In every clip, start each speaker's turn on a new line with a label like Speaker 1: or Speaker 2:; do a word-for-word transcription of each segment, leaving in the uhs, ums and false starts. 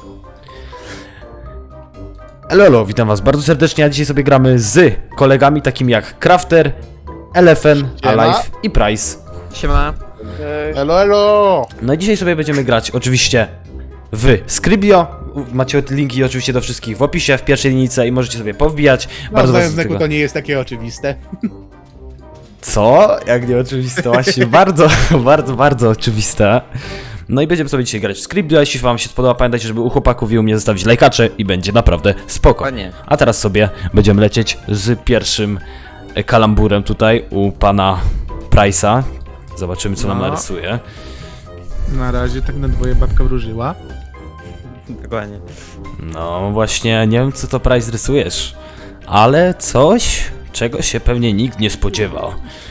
Speaker 1: Elo, elo, witam was bardzo serdecznie, a dzisiaj sobie gramy z kolegami takimi jak Crafter, Elefen, Alive i Price.
Speaker 2: Siema.
Speaker 3: Elo, elo!
Speaker 1: No i dzisiaj sobie będziemy grać oczywiście w Scribio. Macie linki oczywiście do wszystkich w opisie, w pierwszej linijce i możecie sobie powbijać.
Speaker 3: No,
Speaker 1: Bardzo was
Speaker 3: znając
Speaker 1: do tego...
Speaker 3: Neku, to nie jest takie oczywiste.
Speaker 1: Co? Jak nie oczywiste, właśnie bardzo, bardzo, bardzo oczywiste. No i będziemy sobie dzisiaj grać w Scribio. Jeśli wam się spodoba, pamiętajcie, żeby u chłopaków i u mnie zostawić lajkacze i będzie naprawdę spoko.
Speaker 2: Ładnie.
Speaker 1: A teraz sobie będziemy lecieć z pierwszym kalamburem tutaj u pana Price'a. Zobaczymy, co nam
Speaker 3: No.
Speaker 1: narysuje.
Speaker 3: Na razie tak na dwoje babka wróżyła.
Speaker 2: Dokładnie.
Speaker 1: No właśnie, nie wiem, co to Price rysujesz, ale coś, czego się pewnie nikt nie spodziewał.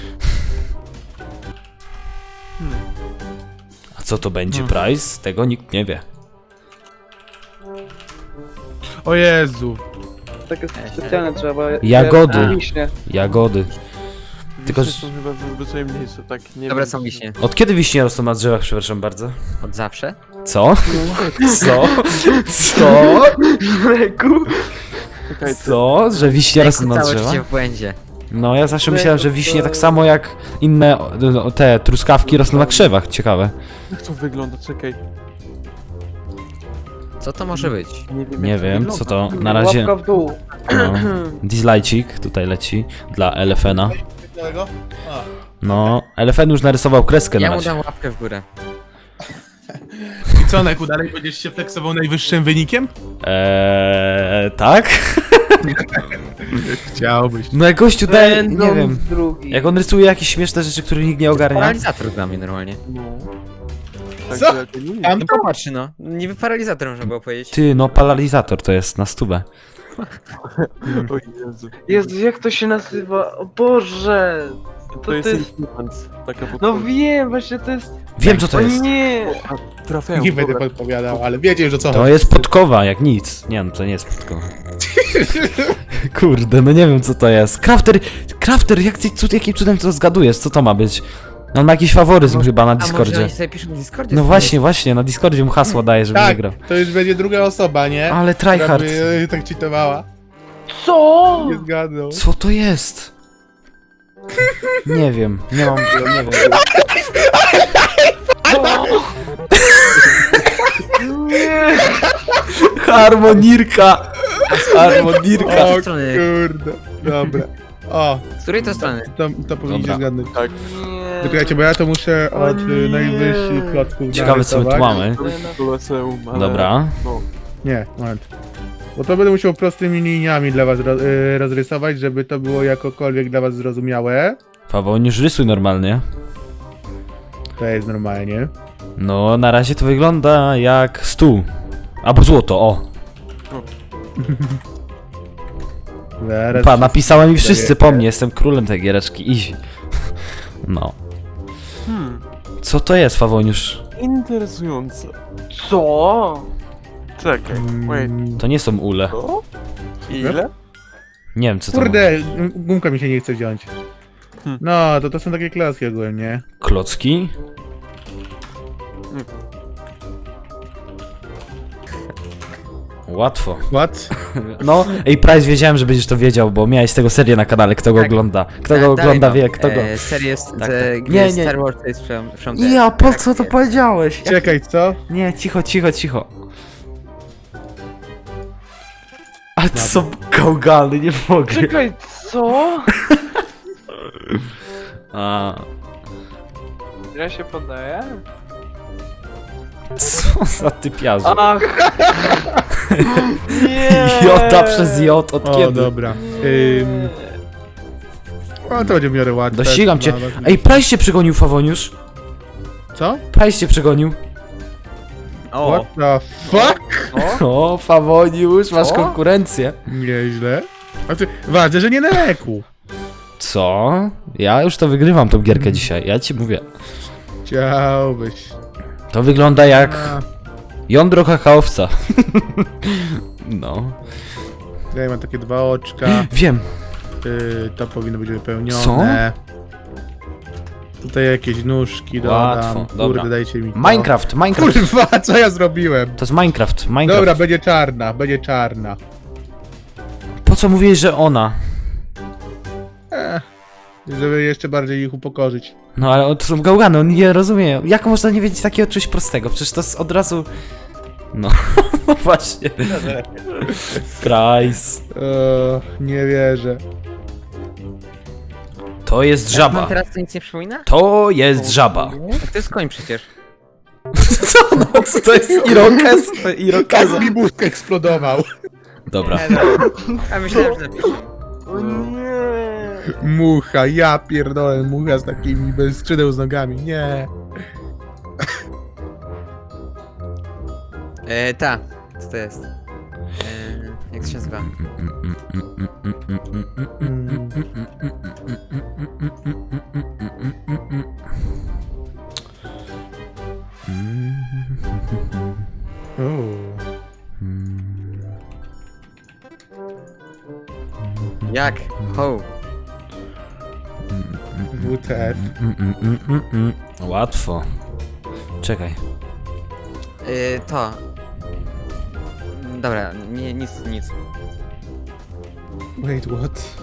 Speaker 1: A co to będzie, Price? Tego nikt nie wie.
Speaker 3: O Jezu.
Speaker 4: Takie specjalne trzeba.
Speaker 1: Jagody.
Speaker 4: jak Wiśnie.
Speaker 1: Jagody. Tylko,
Speaker 5: Wiśnie
Speaker 1: że-
Speaker 5: są chyba zwyczaj mniejsze, tak nie
Speaker 2: Dobre
Speaker 5: wiem,
Speaker 2: są
Speaker 5: czy-
Speaker 2: wiśnie.
Speaker 1: Od kiedy wiśnie rosną na drzewach, przepraszam bardzo?
Speaker 2: Od zawsze?
Speaker 1: Co? Co? Co?
Speaker 5: Czekaj,
Speaker 1: Co? Że wiśnie rosną na
Speaker 2: Całe
Speaker 1: drzewach?
Speaker 2: życie w błędzie.
Speaker 1: No ja zawsze myślałem, że wiśnie tak samo jak inne o, te truskawki rosną na krzewach. Ciekawe.
Speaker 5: jak to wygląda, czekaj.
Speaker 2: Co to może być?
Speaker 5: Nie wiem,
Speaker 1: Nie
Speaker 5: jak to
Speaker 1: wiem,
Speaker 5: wygląda.
Speaker 1: co to na razie.
Speaker 4: Łapka w dół.
Speaker 1: No, dislajcik tutaj leci dla Elefena. No, Elefen już narysował kreskę na
Speaker 2: Ja mu
Speaker 1: razie.
Speaker 2: dam łapkę w górę.
Speaker 3: I co, Neku, dalej będziesz się flexował najwyższym wynikiem?
Speaker 1: Eee, tak?
Speaker 3: Chciałbyś.
Speaker 1: No jak gościu daje, nie
Speaker 4: Będą
Speaker 1: wiem.
Speaker 4: drugi.
Speaker 1: Jak on rysuje jakieś śmieszne rzeczy, których nikt nie ogarnia.
Speaker 2: Paralizator dla mnie normalnie.
Speaker 5: No. Tak,
Speaker 3: Co?
Speaker 5: że to nie
Speaker 3: Tam
Speaker 2: No popatrz no. Niby paralizator można było powiedzieć.
Speaker 1: Ty, no paralizator to jest na stówę.
Speaker 5: O Jezu.
Speaker 4: Jezu, jak to się nazywa? O Boże!
Speaker 5: To,
Speaker 4: To
Speaker 5: jest
Speaker 4: to jest...
Speaker 5: influence, taka
Speaker 4: No
Speaker 5: podpowiedź.
Speaker 4: wiem, właśnie to jest...
Speaker 1: Wiem co to
Speaker 4: O
Speaker 1: jest.
Speaker 4: nie!
Speaker 5: Trafiają,
Speaker 3: Nie będę
Speaker 5: dobra.
Speaker 3: podpowiadał, ale wiecie już o co
Speaker 1: To
Speaker 3: chodzi.
Speaker 1: jest podkowa, jak nic. Nie no, to nie jest podkowa. Kurde, no nie wiem co to jest. Crafter, Crafter, jak ty, cud, jakim cudem to zgadujesz? Co to ma być? No, on ma jakiś faworyzm chyba na
Speaker 2: A może
Speaker 1: Discordzie.
Speaker 2: oni sobie piszą w Discordzie?
Speaker 1: No właśnie, właśnie, na Discordzie mu hasło daje, żeby
Speaker 3: Tak,
Speaker 1: wygrał.
Speaker 3: to już będzie druga osoba, nie?
Speaker 1: Ale
Speaker 3: Która
Speaker 1: tryhard.
Speaker 3: by, e, tak cheatowała.
Speaker 4: Co?
Speaker 3: Nie zgadnął.
Speaker 1: Co to jest? Nie wiem, nie mam, nie wiem.
Speaker 4: Nie!
Speaker 1: Harmonirka! Harmonirka!
Speaker 3: O
Speaker 2: strony?
Speaker 3: kurde. Dobra. O,
Speaker 2: Z której to strony?
Speaker 3: to, to powinniście
Speaker 1: Dobra.
Speaker 3: zgadnąć.
Speaker 5: Tak.
Speaker 4: Nie!
Speaker 3: Poczekajcie, bo ja to muszę
Speaker 4: O
Speaker 3: od
Speaker 4: nie.
Speaker 3: y, najwyższych klocków
Speaker 1: Ciekawe co my tu
Speaker 3: narysować.
Speaker 1: mamy.
Speaker 5: To jest Koloseum, ale...
Speaker 1: Dobra.
Speaker 5: No.
Speaker 3: Nie, moment. Bo to będę musiał prostymi liniami dla was ro y, rozrysować, żeby to było jakokolwiek dla was zrozumiałe.
Speaker 1: Paweł, już rysuj normalnie.
Speaker 3: To jest normalnie.
Speaker 1: No, na razie to wygląda jak stół. Albo złoto, o.
Speaker 3: Zaraz.
Speaker 1: Pa, napisałem i wszyscy po mnie, jestem królem tej giereczki, easy. No.
Speaker 5: Hmm.
Speaker 1: Co to jest, Fawoniusz?
Speaker 5: Interesujące.
Speaker 4: Co?
Speaker 5: Czekaj, wait.
Speaker 3: Mm,
Speaker 1: To nie są ule.
Speaker 5: To? Ile?
Speaker 1: Nie wiem, co to
Speaker 3: Kurde, gumka mi się nie chce wziąć.
Speaker 5: Hmm.
Speaker 3: No, to to są takie klaski ogólnie.
Speaker 1: ma. Klocki? Łatwo.
Speaker 3: What?
Speaker 1: No, ej, Price, wiedziałem, że będziesz to wiedział, bo miałeś tego serię na kanale, kto go
Speaker 2: Tak.
Speaker 1: ogląda. Kto go
Speaker 2: Da-
Speaker 1: ogląda,
Speaker 2: dalej
Speaker 1: wie,
Speaker 2: mam.
Speaker 1: kto go...
Speaker 2: E, serię, z,
Speaker 1: Tak,
Speaker 2: tak,
Speaker 1: tak.
Speaker 2: gdzie
Speaker 1: Nie, nie.
Speaker 2: Star Wars to jest from, from the...
Speaker 1: Ja, po co to
Speaker 2: Tak,
Speaker 1: powiedziałeś?
Speaker 3: Czekaj, co?
Speaker 1: Nie, cicho, cicho, cicho. Ale to są gałgany, nie mogę.
Speaker 4: Czekaj, co?
Speaker 1: A,
Speaker 4: Ja się poddaję?
Speaker 1: co za typiarze.
Speaker 4: Ach! Nie!
Speaker 1: Jota przez J, od
Speaker 3: O,
Speaker 1: kiedy?
Speaker 3: dobra. Ym... O, to będzie w miarę łatwe.
Speaker 1: Dościgam cię.
Speaker 3: Dla was.
Speaker 1: Ej, Price cię przegonił, Fawoniusz.
Speaker 3: Co?
Speaker 1: Price cię przegonił.
Speaker 2: O,
Speaker 3: What the fuck?
Speaker 1: O, Fawoniusz, masz
Speaker 2: O.
Speaker 1: konkurencję.
Speaker 3: Nieźle. A ty, ważne, że nie na leku.
Speaker 1: Co? Ja już to wygrywam tą gierkę dzisiaj, ja ci mówię.
Speaker 3: Chciałbyś.
Speaker 1: To wygląda jak
Speaker 3: A,
Speaker 1: jądro kakaowca. No.
Speaker 3: ja mam takie dwa oczka.
Speaker 1: Wiem.
Speaker 3: Y, to powinno być wypełnione. Tutaj jakieś nóżki
Speaker 1: Łatwo,
Speaker 3: dodam.
Speaker 1: dobra.
Speaker 3: Kurde, dajcie mi to.
Speaker 1: Minecraft, Minecraft.
Speaker 3: Kurwa, co ja zrobiłem?
Speaker 1: To jest Minecraft, Minecraft.
Speaker 3: Dobra, będzie czarna, będzie czarna.
Speaker 1: Po co mówiłeś, że ona?
Speaker 3: Eh, żeby jeszcze bardziej ich upokorzyć.
Speaker 1: No ale to są gałgany, on nie rozumie. Jak można nie wiedzieć takiego czegoś prostego? Przecież to jest od razu... No, no właśnie. Price.
Speaker 3: O, nie wierzę.
Speaker 1: To jest
Speaker 2: Mam
Speaker 1: żaba.
Speaker 2: teraz to nic nie przypomina?
Speaker 1: To jest żaba.
Speaker 2: A to jest koń przecież.
Speaker 1: Co no, co to jest irokez? To irokeza.
Speaker 3: Tak mi mózg eksplodował.
Speaker 1: Dobra.
Speaker 2: A myślałem, że lepiej.
Speaker 4: O nie.
Speaker 3: Mucha, ja pierdolę, mucha z takimi bez skrzydeł z nogami, nie.
Speaker 2: E, ta. Co to jest? E, jak to się nazywa?
Speaker 3: Mm. O.
Speaker 2: Jak? Ho.
Speaker 3: W T F.
Speaker 1: Łatwo. Czekaj.
Speaker 2: E, to. Dobra, nie, nic, nic.
Speaker 3: Wait, what?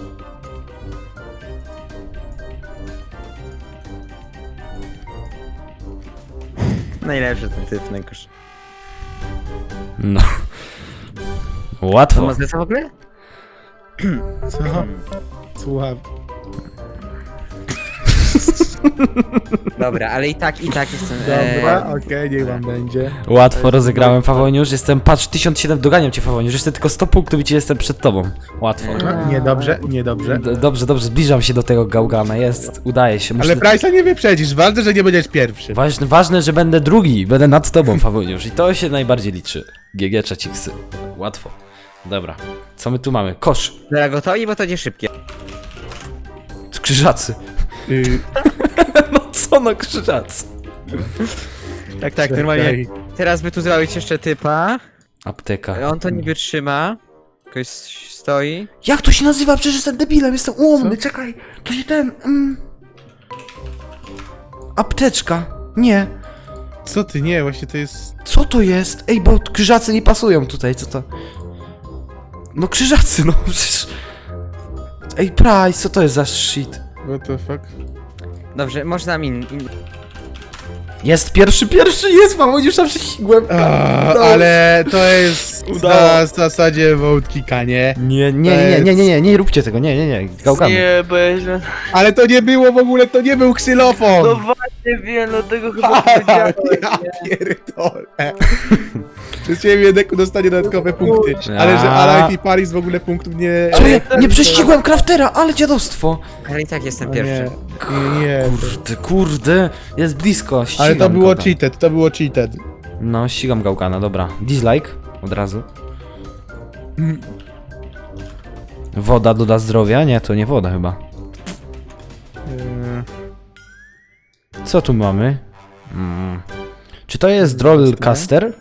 Speaker 2: Najlepszy ten typ, najgorszy.
Speaker 1: No.
Speaker 2: To
Speaker 1: Łatwo.
Speaker 2: ma zlecę w ogóle?
Speaker 3: Co? Słucham.
Speaker 2: Dobra, ale i tak, i tak jestem... e,
Speaker 3: Dobra, okej, niech wam będzie.
Speaker 1: Łatwo rozegrałem, Fawoniusz. Jestem, patrz, tysiąc siedem, doganiam cię, Fawoniusz. Jeszcze tylko sto punktów i ci jestem przed tobą. Łatwo.
Speaker 3: No, niedobrze, niedobrze.
Speaker 1: D dobrze, dobrze, zbliżam się do tego gałgana. Jest, udaje się. Muszę...
Speaker 3: Ale Price'a nie wyprzedzisz, ważne, że nie będziesz pierwszy.
Speaker 1: Ważne, ważne, że będę drugi, będę nad tobą, Fawoniusz. I to się najbardziej liczy. G G czaciksy. Łatwo. Dobra. Co my tu mamy? Kosz.
Speaker 2: Dobra, gotowi, bo to nie szybkie.
Speaker 1: Krzyżacy.
Speaker 3: Y,
Speaker 1: No co no, krzyżacy.
Speaker 2: Tak, tak, normalnie. Teraz by tu zrobić jeszcze typa.
Speaker 1: Apteka.
Speaker 2: On to niby trzyma. Ktoś stoi.
Speaker 1: Jak to się nazywa? Przecież jestem debilem, jestem ułomny, czekaj. To się ten... Mm... Apteczka. Nie.
Speaker 3: Co ty, nie, właśnie to jest...
Speaker 1: Co to jest? Ej, bo krzyżacy nie pasują tutaj, co to? No krzyżacy, no przecież... Ej, Price, co to jest za shit?
Speaker 3: What the fuck?
Speaker 2: Dobrze, można mi. In...
Speaker 1: Jest pierwszy, pierwszy jest, mam już tam prześcigłem.
Speaker 3: A,
Speaker 1: No.
Speaker 3: ale to jest
Speaker 1: Udało.
Speaker 3: na zasadzie vote nie?
Speaker 1: Nie, nie, nie, nie, nie, nie, nie, nie róbcie tego, nie, nie, nie, gałkamy.
Speaker 4: Nie, bo ja źle...
Speaker 3: Ale to nie było w ogóle, to nie był ksylofon!
Speaker 4: No właśnie wiem, dlatego chyba
Speaker 3: Ha,
Speaker 4: powiedziałem.
Speaker 3: ja pierdolę. Przez ciebie Deku dostanie dodatkowe punkty. Ale że Alive i Paris w ogóle punktów nie...
Speaker 1: Co ja, nie prześcigłem Craftera, ale dziadostwo.
Speaker 2: Ale i tak jestem
Speaker 3: O
Speaker 2: pierwszy.
Speaker 3: nie, nie, nie.
Speaker 1: Kurde, kurde, jest blisko, ścigam
Speaker 3: Ale to było
Speaker 1: gałgana.
Speaker 3: cheated, to było cheated.
Speaker 1: No, ścigam gałgana, dobra. Dislike, od razu.
Speaker 3: Mm.
Speaker 1: Woda doda zdrowia? Nie, to nie woda chyba.
Speaker 3: Eee,
Speaker 1: Co tu mamy? Mm. Czy to jest Drollcaster?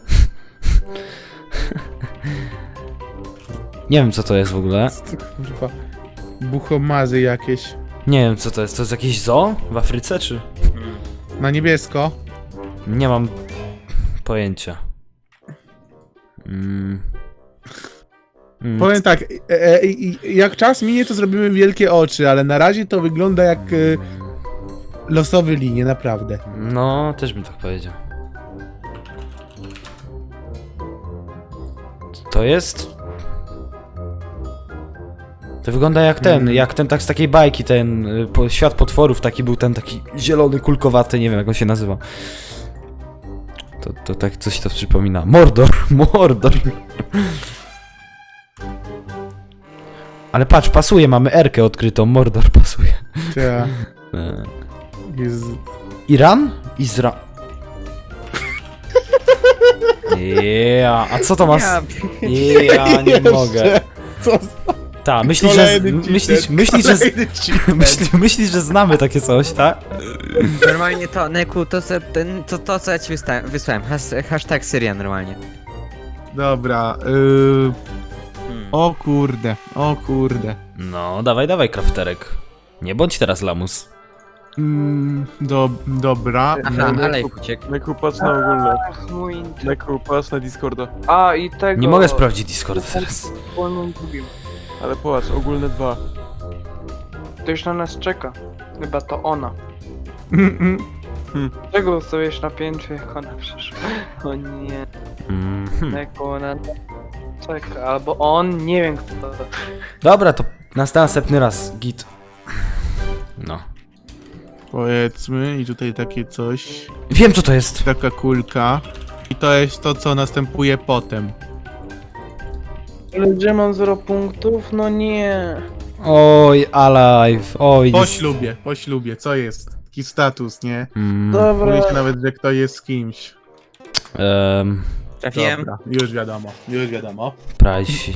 Speaker 1: Nie wiem co to jest w ogóle.
Speaker 3: Kurwa. Buchomazy jakieś.
Speaker 1: Nie wiem co to jest. To jest jakieś zoo w Afryce czy?
Speaker 3: Na niebiesko.
Speaker 1: Nie mam pojęcia. Mm. Mm.
Speaker 3: Powiem tak, e, e, e, jak czas minie, to zrobimy wielkie oczy, ale na razie to wygląda jak e, losowy linie, naprawdę.
Speaker 1: No, też bym tak powiedział. To jest... To wygląda jak ten,
Speaker 3: Mm.
Speaker 1: jak ten tak z takiej bajki, ten y, po, Świat Potworów, taki był ten taki zielony, kulkowaty, nie wiem jak on się nazywa. To, to tak coś to przypomina. Mordor, Mordor. Ale patrz, pasuje, mamy Erkę odkrytą, Mordor pasuje.
Speaker 3: Ta,
Speaker 1: E,
Speaker 3: jest...
Speaker 1: Iran? Izra... Yeah, a co to ma...
Speaker 2: Ja,
Speaker 1: Ja nie mogę.
Speaker 3: Co?
Speaker 1: Ta, myślisz, że...
Speaker 3: Kolejny cheater,
Speaker 1: Myślisz, myślisz, że...
Speaker 3: kolejny cheater.
Speaker 1: Myślisz, myślisz, że znamy takie coś, tak?
Speaker 2: normalnie to, Neku, to, co- ten, to, to co ja ci wysta- wysłałem. Has, hashtag Syria normalnie.
Speaker 3: Dobra, yy...
Speaker 2: Hmm.
Speaker 3: o kurde, o kurde.
Speaker 1: No, dawaj, dawaj, krafterek. Nie bądź teraz lamus.
Speaker 3: Mm, do, dobra.
Speaker 2: Aha, ale uciekł.
Speaker 5: Neku, patrz na ogólne.
Speaker 4: Mój...
Speaker 5: Neku, patrz na Discorda.
Speaker 4: A, i tego...
Speaker 1: Nie mogę sprawdzić Discorda teraz.
Speaker 4: Wolną drugim.
Speaker 5: Ale popatrz, ogólne dwa.
Speaker 4: To już na nas czeka. Chyba to ona.
Speaker 3: Mm, mm.
Speaker 4: Czego stoisz na piętrze, jak ona przyszła? O nie,
Speaker 1: Mhm.
Speaker 4: jak ona czeka. Albo on, nie wiem kto to.
Speaker 1: Dobra, to na następny raz, git. No.
Speaker 3: Powiedzmy, i tutaj takie coś.
Speaker 1: Wiem co to jest.
Speaker 3: Taka kulka. I to jest to, co następuje potem.
Speaker 4: Ale gdzie mam zero punktów? No nie.
Speaker 1: Oj, alive, oj.
Speaker 3: Po
Speaker 1: jest-
Speaker 3: ślubie, po ślubie, co jest? Taki status, nie?
Speaker 1: Mm,
Speaker 4: Dobra.
Speaker 3: Mówi się nawet, że kto jest z kimś.
Speaker 1: em,
Speaker 2: Trafiłem.
Speaker 3: Dobra, już wiadomo, już wiadomo.
Speaker 1: Price.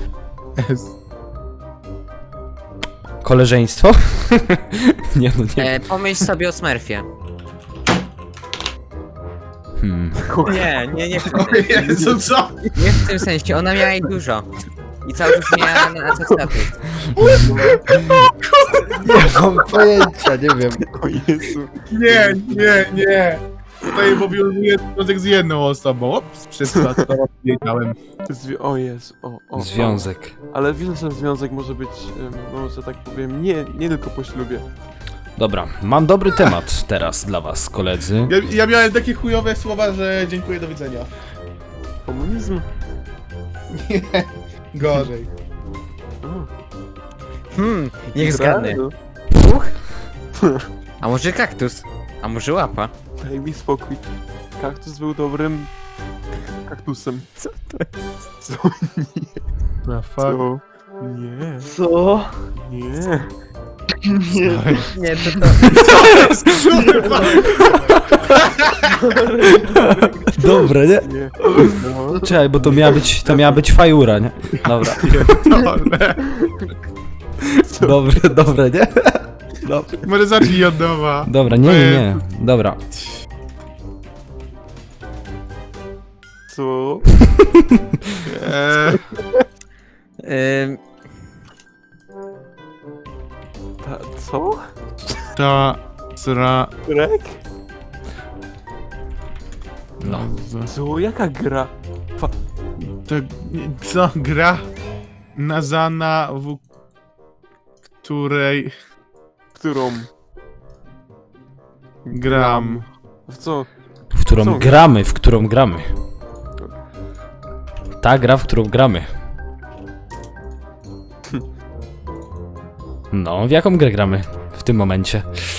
Speaker 1: Koleżeństwo? nie no, nie.
Speaker 2: E, pomyśl sobie o Smurfie.
Speaker 1: Hmm.
Speaker 2: Nie, nie, nie w tym
Speaker 3: O
Speaker 2: sensie.
Speaker 3: Jezu, co?
Speaker 2: Nie w tym sensie, ona miała jej dużo. I cały czas miała na co status.
Speaker 1: Nie mam pojęcia, nie wiem.
Speaker 5: O Jezu.
Speaker 3: Nie, nie, nie. Tutaj powiązuje związek z jedną osobą. Ops, przez to, co wiedziałem.
Speaker 5: Zwi o Jezu, o, o.
Speaker 1: Związek.
Speaker 5: O. Ale widzę, że związek może być, em, no, że tak powiem, nie, nie tylko po ślubie.
Speaker 1: Dobra, mam dobry temat teraz dla was, koledzy.
Speaker 3: Ja, ja miałem takie chujowe słowa, że dziękuję, do widzenia.
Speaker 5: Komunizm?
Speaker 3: Nie, gorzej.
Speaker 5: O,
Speaker 2: Hmm, niech zgadnę.
Speaker 5: no,
Speaker 2: A może kaktus? A może łapa?
Speaker 5: Daj mi spokój. Kaktus był dobrym kaktusem.
Speaker 2: Co to
Speaker 5: Co?
Speaker 3: The fuck?
Speaker 5: Co? Nie,
Speaker 4: Co?
Speaker 5: nie.
Speaker 2: Nie, to to...
Speaker 1: Dobre, nie?
Speaker 5: Nie. No.
Speaker 1: Czekaj, bo to miała być, to miała być fajura, nie? Dobra,
Speaker 3: Pierdolę.
Speaker 1: dobre, dobre, nie?
Speaker 3: Może zacznij od nowa.
Speaker 1: Dobra, nie, nie, nie. Dobra.
Speaker 5: Co?
Speaker 3: Eee,
Speaker 2: Ym,
Speaker 5: Ta, co?
Speaker 3: ta, sra,
Speaker 5: Grek?
Speaker 1: No.
Speaker 5: Co? Jaka gra?
Speaker 3: to, co, gra nazana, w której
Speaker 5: Którą?
Speaker 3: gram.
Speaker 5: W co?
Speaker 1: W którą
Speaker 5: Co?
Speaker 1: gramy, w którą gramy. Ta gra, w którą gramy. No, w jaką grę gramy w tym momencie?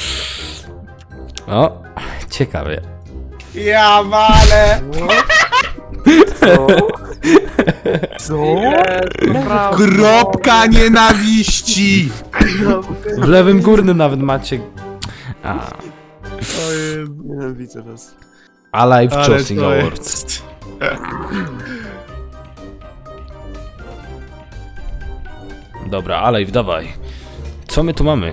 Speaker 1: O, ciekawie.
Speaker 3: Ja walę!
Speaker 5: Co? Co?
Speaker 3: Kropka nienawiści!
Speaker 1: W lewym górnym nawet macie... A,
Speaker 3: O Jezu.
Speaker 5: Nienawidzę was.
Speaker 1: Alive
Speaker 3: Ale
Speaker 1: Choosing
Speaker 3: to
Speaker 1: Awards.
Speaker 3: jest...
Speaker 1: Dobra, Alive, dawaj. Co my tu mamy?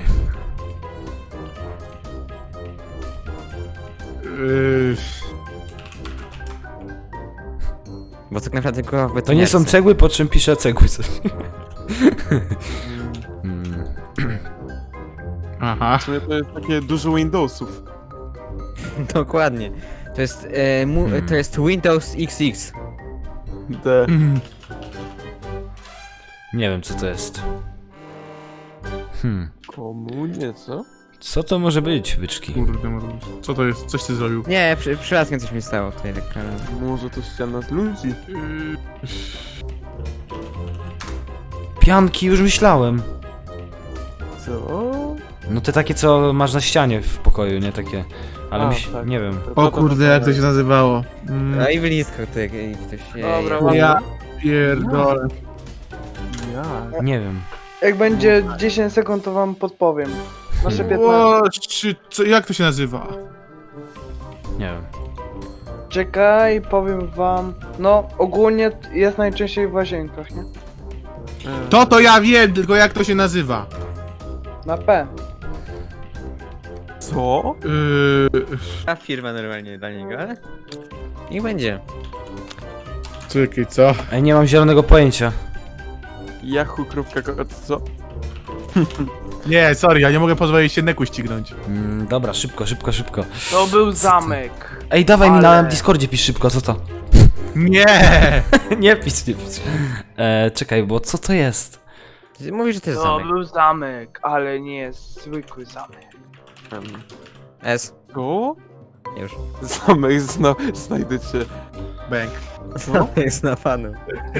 Speaker 3: Yy,
Speaker 2: bo tak naprawdę go w
Speaker 1: To nie są cegły, po czym piszę cegły.
Speaker 5: Mm.
Speaker 1: Hmm.
Speaker 3: Aha.
Speaker 5: W sumie to jest takie dużo Windowsów.
Speaker 2: Dokładnie. To jest, e, mu,
Speaker 1: Hmm.
Speaker 2: to jest Windows X X.
Speaker 5: D.
Speaker 1: Nie wiem, co to jest. Hmm.
Speaker 5: Komunie, co?
Speaker 1: Co to może być, byczki?
Speaker 3: Kurde, może być. Co to jest? Coś ty zrobił?
Speaker 2: Nie, przy, przypadkiem coś mi stało tutaj tak, ale...
Speaker 5: Może to ściana z ludzi?
Speaker 3: Yy,
Speaker 1: Pianki, już myślałem.
Speaker 5: Co?
Speaker 1: No te takie, co masz na ścianie w pokoju, nie takie. Ale
Speaker 5: A,
Speaker 1: myśl...
Speaker 5: tak.
Speaker 1: nie wiem.
Speaker 3: O kurde, jak to się nazywało? Mm,
Speaker 2: No i blisko tutaj ktoś...
Speaker 4: Dobra,
Speaker 2: jej-
Speaker 4: ładnie.
Speaker 3: ja pierdolę.
Speaker 5: Jak?
Speaker 1: Nie wiem.
Speaker 4: Jak będzie dziesięć sekund, to wam podpowiem. Nasze
Speaker 1: Hmm.
Speaker 4: piętnaście.
Speaker 3: O, czy, co, jak to się nazywa?
Speaker 1: Nie wiem.
Speaker 4: Czekaj, powiem wam. No, ogólnie jest najczęściej w łazienkach, nie?
Speaker 5: E,
Speaker 3: To to ja wiem, tylko jak to się nazywa?
Speaker 4: Na P.
Speaker 5: Co?
Speaker 3: Yy,
Speaker 2: A firma normalnie dla niego, ale... Niech będzie.
Speaker 3: czekaj, co?
Speaker 1: Ej, nie mam zielonego pojęcia.
Speaker 5: Yahoo.co? Co?
Speaker 3: Nie, sorry, ja nie mogę pozwolić się Neku ścignąć.
Speaker 1: Mm, dobra, szybko, szybko, szybko.
Speaker 4: To był zamek.
Speaker 1: Ej, dawaj mi na
Speaker 4: Ale-
Speaker 1: Discordzie pisz szybko, co to?
Speaker 3: Nie!
Speaker 1: nie pisz, nie pisz. E, czekaj, bo co to jest?
Speaker 2: Mówisz, że to jest
Speaker 4: To
Speaker 2: zamek.
Speaker 4: był zamek, ale nie zwykły zamek.
Speaker 5: Em,
Speaker 2: S.
Speaker 5: To?
Speaker 2: Już.
Speaker 5: Zamek, zna, znajdę cię.
Speaker 3: Bęk.
Speaker 2: Jest na panu.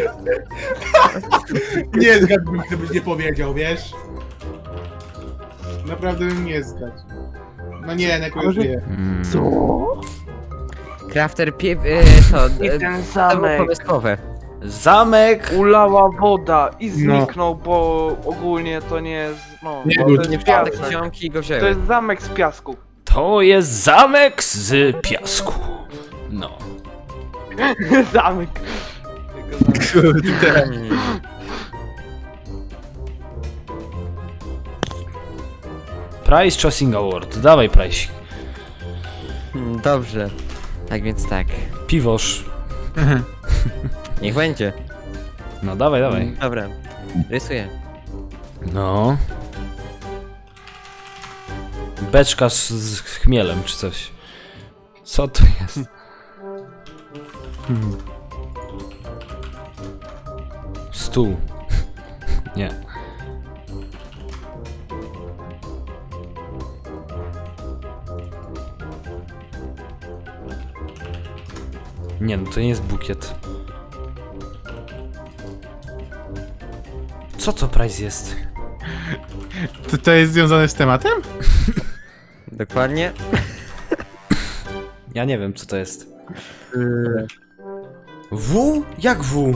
Speaker 3: Nie zgadłbym, gdybyś nie powiedział, wiesz? Naprawdę bym nie zgadł. No nie, Neku już wie.
Speaker 1: Mm.
Speaker 5: Co?
Speaker 2: Crafter pie... E, to...
Speaker 4: I
Speaker 2: E,
Speaker 4: ten
Speaker 2: to było
Speaker 4: zamek
Speaker 2: pomysłowe.
Speaker 1: Zamek!
Speaker 4: ulała woda i
Speaker 3: No.
Speaker 4: zniknął, bo ogólnie to nie jest, no,
Speaker 3: Nie
Speaker 4: bo
Speaker 3: był-
Speaker 4: to
Speaker 2: Nie
Speaker 4: jest
Speaker 2: wziąłem
Speaker 4: piasek.
Speaker 2: takie ziomki i go
Speaker 4: To
Speaker 2: wzięły.
Speaker 4: jest zamek z piasku.
Speaker 1: To jest zamek z piasku. No.
Speaker 4: Zamek.
Speaker 3: Kurde.
Speaker 2: Hmm.
Speaker 1: Price Choosing Award. Dawaj, Price.
Speaker 2: Hmm, Dobrze. Tak więc tak.
Speaker 1: Piwosz.
Speaker 2: Niech będzie.
Speaker 1: No, dawaj, dawaj.
Speaker 2: Dobra. Rysuję.
Speaker 1: No. Beczka z, z chmielem, czy coś. Co to jest? Hmm. Stół. Nie. Nie, no to nie jest bukiet. Co to Price jest?
Speaker 3: To, to jest związane z tematem?
Speaker 2: Dokładnie.
Speaker 1: Ja nie wiem, co to jest.
Speaker 3: Yy,
Speaker 1: W? Jak W?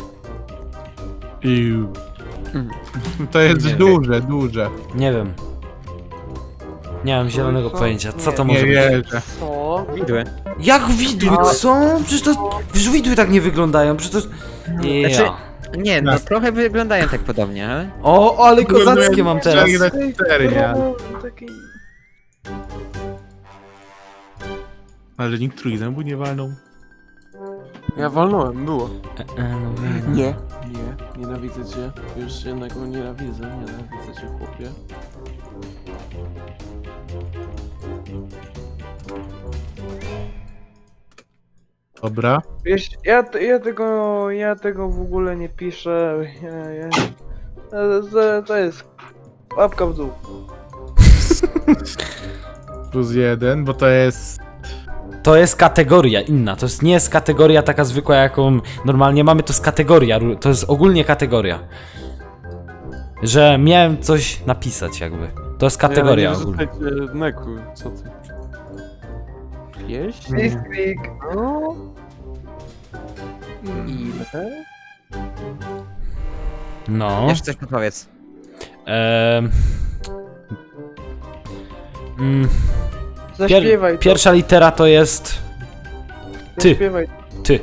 Speaker 3: iu. To jest
Speaker 1: Nie
Speaker 3: duże, duże.
Speaker 1: Nie wiem. Nie mam zielonego
Speaker 4: Co?
Speaker 1: pojęcia. Co
Speaker 4: Nie,
Speaker 1: to
Speaker 3: Nie
Speaker 1: może być?
Speaker 3: wierzę.
Speaker 4: Co?
Speaker 2: Widły.
Speaker 1: Jak widły, co? Przecież to... Przecież widły tak nie wyglądają, przecież to... Ja.
Speaker 2: Znaczy- Nie, no
Speaker 3: Jasne.
Speaker 2: trochę wyglądają tak podobnie, ale...
Speaker 1: O, ale kozackie mam teraz.
Speaker 3: cztery na cztery, nie?
Speaker 4: Taki...
Speaker 3: Ale nikt trójzębu nie walnął.
Speaker 5: Ja walnąłem, było.
Speaker 1: E, e, no wiem.
Speaker 5: Nie, nie, nienawidzę cię. Już jednego nienawidzę, nienawidzę cię, chłopie.
Speaker 3: Dobra.
Speaker 4: Wiesz, ja, t- ja tego, ja tego w ogóle nie piszę. Ja, ja, to, to jest łapka w dół.
Speaker 3: Plus jeden, bo to jest...
Speaker 1: To jest kategoria inna, to jest, nie jest kategoria taka zwykła, jaką normalnie mamy, to jest kategoria, ru- to jest ogólnie kategoria. Że miałem coś napisać jakby. To jest kategoria
Speaker 5: Ja, nie
Speaker 1: ogólnie.
Speaker 5: rzucajcie Neku, co ty? Jeść?
Speaker 4: Blitzkrieg.
Speaker 5: No. Ile?
Speaker 1: No.
Speaker 2: Jeszcze coś powiedz.
Speaker 1: Ehm. Mm,
Speaker 4: Zaśpiewaj
Speaker 1: pier-
Speaker 4: to.
Speaker 1: pierwsza litera to jest ty.
Speaker 4: Zaśpiewaj.
Speaker 1: ty.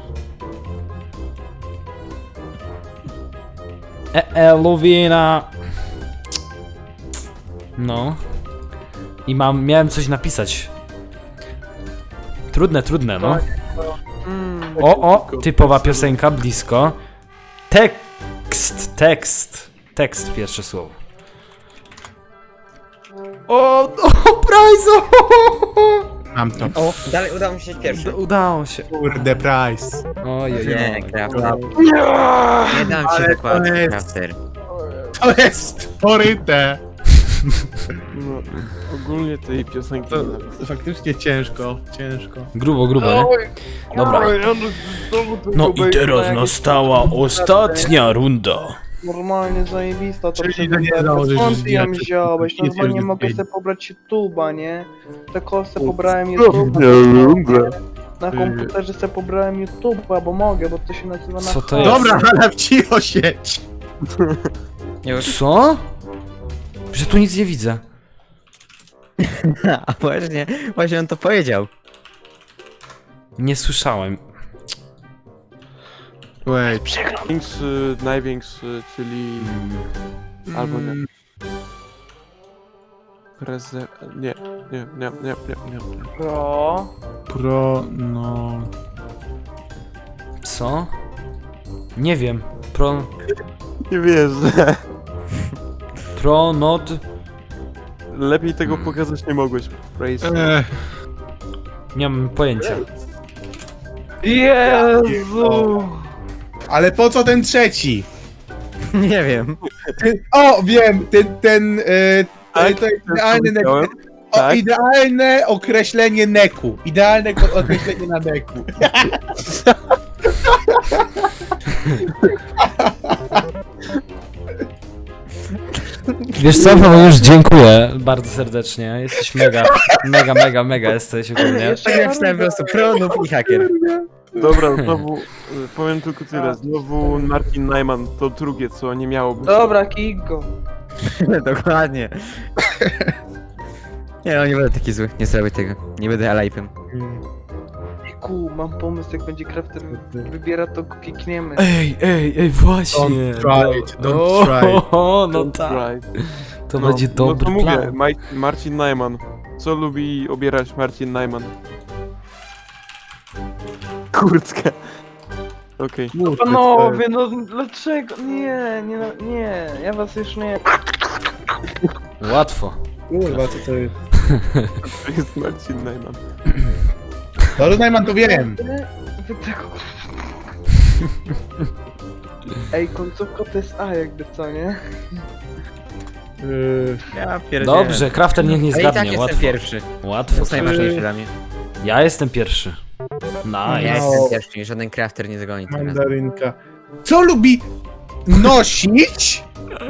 Speaker 1: E, e Luwina. No. I mam, miałem coś napisać. Trudne, trudne, no.
Speaker 4: Mm.
Speaker 1: O, o, typowa piosenka, blisko. Tekst, tekst, tekst, pierwsze słowo. O, o, Price!
Speaker 3: Mam to.
Speaker 2: O, dalej udało mi się pierwszy.
Speaker 1: Udało się.
Speaker 3: Kurde, price.
Speaker 1: Ojej,
Speaker 2: Nie, Crafter.
Speaker 4: Nie!
Speaker 2: Nie dam ci
Speaker 3: Ale
Speaker 2: dokładnie,
Speaker 3: to jest-
Speaker 2: Crafter.
Speaker 3: To jest poryte.
Speaker 5: No, ogólnie tej piosenki
Speaker 3: To,
Speaker 5: nienawidzę.
Speaker 3: to faktycznie ciężko, ciężko.
Speaker 1: Grubo, grubo, nie?
Speaker 4: Oj,
Speaker 1: Dobra.
Speaker 4: oj, on znowu tego
Speaker 1: No i
Speaker 4: bejta
Speaker 1: teraz
Speaker 4: jakieś-
Speaker 1: nastała ostatnia runda.
Speaker 4: Normalnie zajebista to
Speaker 3: Czyli to nie
Speaker 4: prezentacja.
Speaker 3: założysz,
Speaker 4: Skąd
Speaker 3: że
Speaker 4: ty ją
Speaker 3: nie-
Speaker 4: wziąłeś?
Speaker 3: nie- nie-
Speaker 4: Normalnie
Speaker 3: nie-
Speaker 4: mogę
Speaker 3: nie-
Speaker 4: sobie pobrać YouTube'a, nie? Tak kosę pobrałem
Speaker 5: nie
Speaker 4: YouTube'a.
Speaker 5: lubię.
Speaker 4: Na komputerze sobie pobrałem YouTube'a, bo mogę, bo to się nazywa na
Speaker 1: Co to
Speaker 4: home.
Speaker 1: jest?
Speaker 3: Dobra, ale w cicho sieć.
Speaker 2: Już.
Speaker 1: Co? Że tu nic nie widzę.
Speaker 2: A właśnie, właśnie on to powiedział.
Speaker 1: Nie słyszałem.
Speaker 3: Wait.
Speaker 5: Największy, największy, czyli... Albo nie. Preze... Nie, nie, nie, nie, nie, nie.
Speaker 4: Pro.
Speaker 3: Pro, no...
Speaker 1: Co? Nie wiem. Pro...
Speaker 5: Nie wierzę.
Speaker 1: Pro, not...
Speaker 5: Lepiej tego
Speaker 1: Hmm.
Speaker 5: pokazać nie mogłeś. Praise.
Speaker 3: Ech,
Speaker 1: Nie mam pojęcia.
Speaker 4: Jezu!
Speaker 3: ale po co ten trzeci?
Speaker 2: Nie wiem.
Speaker 3: Ten, o, wiem, ten, ten, e,
Speaker 5: Tak,
Speaker 3: to jest
Speaker 5: też
Speaker 3: idealny nek,
Speaker 5: powiedziałem.
Speaker 3: o,
Speaker 5: Tak.
Speaker 3: idealne określenie neku. Idealne ko- określenie na neku.
Speaker 1: Wiesz co, Paweł, już dziękuję bardzo serdecznie. Jesteś mega, mega, mega, mega jesteś ogólnie.
Speaker 2: Tak jak myślałem po prostu pro, noob i haker.
Speaker 5: Dobra, znowu y, powiem tylko tyle. Znowu Martin Najman to drugie, co nie miało być.
Speaker 4: Dobra, kick go.
Speaker 2: Dokładnie. Nie no, nie będę taki zły, nie zrobię tego. Nie będę alive'em.
Speaker 4: Ku, mam pomysł, jak będzie crafter wybiera, to go kickniemy.
Speaker 1: Ej, ej, ej, właśnie.
Speaker 3: Don't try it, don't
Speaker 1: O,
Speaker 3: try it.
Speaker 1: O, no
Speaker 5: Don't
Speaker 1: tak.
Speaker 5: try.
Speaker 1: To
Speaker 5: No,
Speaker 1: będzie dobry
Speaker 5: no to mówię,
Speaker 1: plan.
Speaker 5: Maj- Marcin Najman. Co lubi obierać Marcin Najman? Kurtkę. Okej.
Speaker 4: Panowie, no dlaczego? Nie, nie, nie, ja was już nie...
Speaker 1: Łatwo.
Speaker 3: Kurwa, co to jest?
Speaker 5: To jest Marcin Najman.
Speaker 3: No, Najman, to wiem.
Speaker 4: Wy tego... Ej, końcówka to jest A jakby, co nie?
Speaker 3: Yy,
Speaker 2: Ja pierdzielę.
Speaker 1: Dobrze, Crafter niech nie
Speaker 2: Ale i tak
Speaker 1: zgadnie,
Speaker 2: jestem
Speaker 1: łatwo.
Speaker 2: pierwszy. To
Speaker 1: Łatwo.
Speaker 2: jest najważniejsze dla mnie.
Speaker 1: Ja jestem pierwszy.
Speaker 2: Ja
Speaker 1: Nice.
Speaker 2: jestem pierwszy, żaden crafter nie zagoni teraz.
Speaker 3: mandarynka. Co lubi nosić?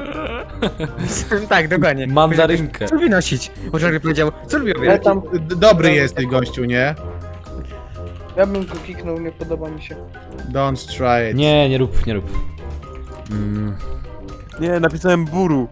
Speaker 2: Tak, dokładnie.
Speaker 1: Mandarynkę.
Speaker 2: Co lubi nosić? Bo Jorge powiedział, co lubi
Speaker 4: Ja
Speaker 2: obierać?
Speaker 4: tam,
Speaker 3: D- Dobry jesteś, gościu, nie?
Speaker 4: ja bym go kiknął, nie podoba mi się.
Speaker 3: Don't try it.
Speaker 1: Nie, nie rób, nie rób. Mm.
Speaker 5: Nie, napisałem buru.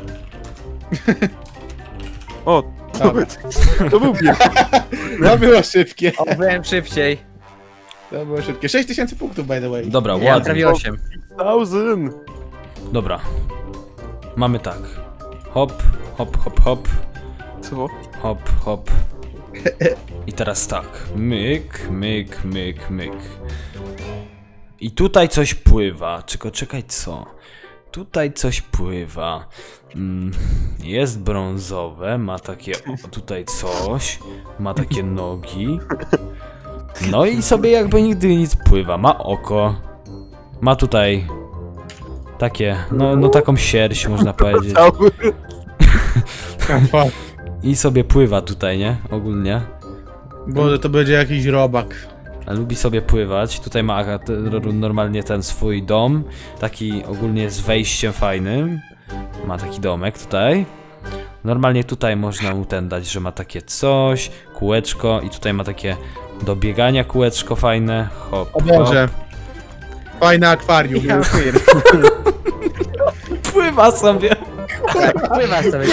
Speaker 5: O, to,
Speaker 3: Dobra.
Speaker 5: to był pierwszy.
Speaker 3: To było szybkie.
Speaker 2: O, byłem szybciej.
Speaker 3: To było szybkie. sześć tysięcy punktów, by the way.
Speaker 1: Dobra,
Speaker 2: Ja mam
Speaker 1: ładnie.
Speaker 2: prawie osiem.
Speaker 5: Thousand.
Speaker 1: Dobra. Mamy tak. Hop, hop, hop, hop.
Speaker 5: Co?
Speaker 1: Hop, hop. I teraz tak. Myk, myk, myk, myk. I tutaj coś pływa. Tylko czekaj, co? Tutaj coś pływa. Mm, jest brązowe, ma takie o, tutaj coś. Ma takie nogi. No i sobie jakby nigdy nic pływa. Ma oko. Ma tutaj takie, no, no taką sierść można powiedzieć.
Speaker 5: Cały.
Speaker 1: I sobie pływa tutaj, nie? Ogólnie.
Speaker 3: Boże, to będzie jakiś robak.
Speaker 1: A lubi sobie pływać. Tutaj ma aga- te- ro- normalnie ten swój dom. Taki ogólnie z wejściem fajnym. Ma taki domek tutaj. Normalnie tutaj można mu ten dać, że ma takie coś, kółeczko i tutaj ma takie do biegania kółeczko fajne. Hop,
Speaker 3: O Boże. Fajne akwarium.
Speaker 2: Ja pier-
Speaker 1: hop. Pływa sobie.
Speaker 2: Pływa sobie.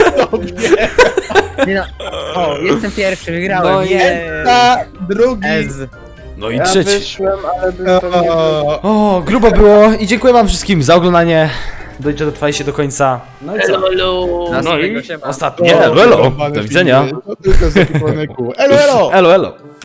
Speaker 2: Nie no. O, jestem pierwszy, wygrałem.
Speaker 1: No
Speaker 2: Nie.
Speaker 3: Ta, drugi.
Speaker 2: Ez.
Speaker 1: No i
Speaker 4: Ja
Speaker 1: trzeci.
Speaker 4: wyszłem, ale bym to nie...
Speaker 3: O,
Speaker 1: O, grubo było i dziękuję wam wszystkim za oglądanie. Dojdzie dotrwajcie do końca. No i co? No
Speaker 2: Następnego
Speaker 1: i
Speaker 2: siema.
Speaker 1: ostatnie. Elo, elo.
Speaker 3: Jebane
Speaker 1: Do widzenia.
Speaker 3: filmy. To tylko z ekwipunek. Elo, elo.
Speaker 1: Elo, elo.